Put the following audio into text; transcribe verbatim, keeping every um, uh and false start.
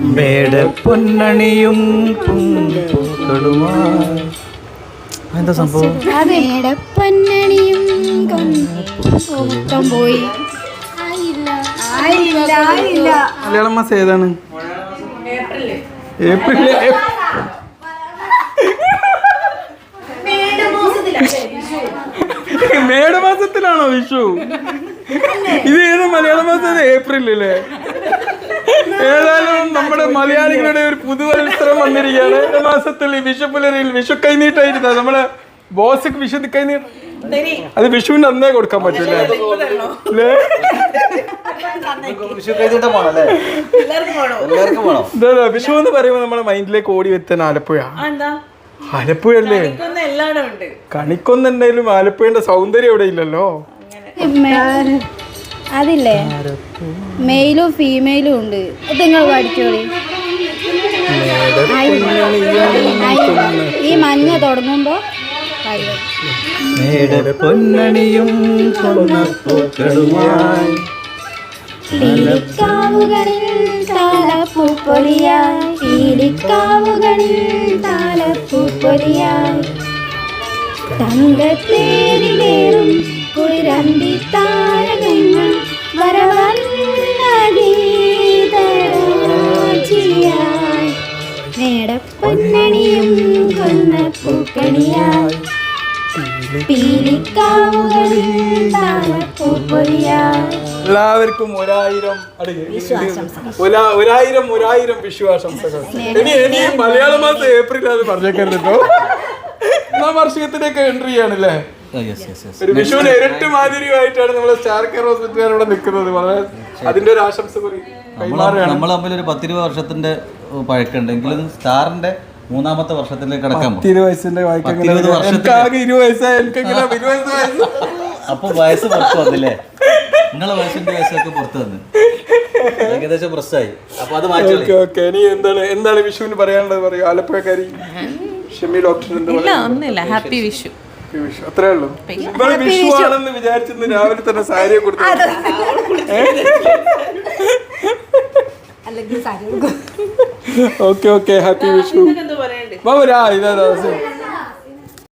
മേടപ്പൊന്നണിയും എന്താ സംഭവം? മേടപ്പൊന്നണിയും പോയി. മലയാളം മാസം ഏതാണ്? ഏപ്രിൽ. മേടമാസത്തിലാണോ വിഷു? ഇത് ഏത് മലയാള മാസം? ഏപ്രിലല്ലേ? ഏതായാലും നമ്മുടെ മലയാളികളുടെ ഒരു പുതുവത്സരം വന്നിരിക്കുകയാണ്. മാസത്തിൽ വിഷുപ്പുലരിയിൽ വിഷു കൈനീട്ടായിരുന്ന നമ്മളെ ബോസ് വിഷു കൈനീട്ട അത് വിഷുവിന്റെ അന്നേ കൊടുക്കാൻ പറ്റൂലേ? വിഷു എന്ന് പറയുമ്പോ നമ്മുടെ മൈൻഡിലേക്ക് ഓടി വെത്താൻ ആലപ്പുഴ. ആലപ്പുഴ അല്ലേ? കണിക്കൊന്നുണ്ടെങ്കിലും ആലപ്പുഴന്റെ സൗന്ദര്യം ഇവിടെ ഇല്ലല്ലോ. അതില്ലേ മെയിലും ഫീമെയിലും ഉണ്ട്. നിങ്ങൾ പഠിച്ചോളി. ഈ മഞ്ഞ തുടങ്ങുമ്പോ മേടപ്പൊന്നണിയും സ്വർണ്ണപ്പൂക്കളുമായി പീലിക്കാവുകളിൽ താലപ്പൂപ്പൊലിയായി പീലിക്കാവുകളിൽ താലപ്പൂപ്പൊലിയായി തങ്കത്തേരിലേറും കുളിരമ്പി താരകങ്ങൾ വരവന്ന ഗീതരാജിയായി മേടപ്പൊന്നണിയും കൊന്നപ്പൂക്കണിയായി പീലിക്കാവുകളിൽ താലപ്പൂപ്പൊലിയായി. എല്ലാവർക്കും ഒരായിരം ഒരായിരം ഒരായിരം വിഷു ആശംസകൾ. ഇനി ഇനി മലയാള മാസം ഏപ്രിൽ അത് പറഞ്ഞേക്കല്ലോ. ഒന്നാം വർഷത്തിലേക്ക് എൻട്രി ചെയ്യാണല്ലേ? ഒരു വിഷുവിന് ഇരട്ടി മാതിരിയായിട്ടാണ് നമ്മളെ സ്റ്റാർ കെയർ ഹോസ്പിറ്റൽ ഇവിടെ നിൽക്കുന്നത്. വളരെ അതിന്റെ ഒരു ആശംസ നമ്മൾ തമ്മിൽ ഒരു പത്തിരുപത് വർഷത്തിന്റെ പഴക്കമുണ്ടെങ്കിലും സ്റ്റാറിന്റെ മൂന്നാമത്തെ വർഷത്തിലേക്ക് കടക്കാൻ അപ്പൊ വയസ്സ് പുറത്ത് വന്നില്ലേ? നിങ്ങളെ വയസ്സിന്റെ വയസ്സൊക്കെ പുറത്ത് വന്ന് ഏകദേശം പ്രശ്നമായി. അപ്പൊ അത് മാറ്റി. ഇനി എന്താണ് എന്താണ് വിഷുവിന് പറയാനുള്ളത്? പറയൂ ആലപ്പുഴക്കാരി ഷെമി ഡോക്ടർ. ഒന്നുമില്ല, ഹാപ്പി വിഷു. അത്രേ ഉള്ളൂ. വിഷു ആണെന്ന് വിചാരിച്ചിരുന്നു രാവിലെ തന്നെ സാരിയെ കൊടുത്തു. Okay okay happy Vishu. ഇതാ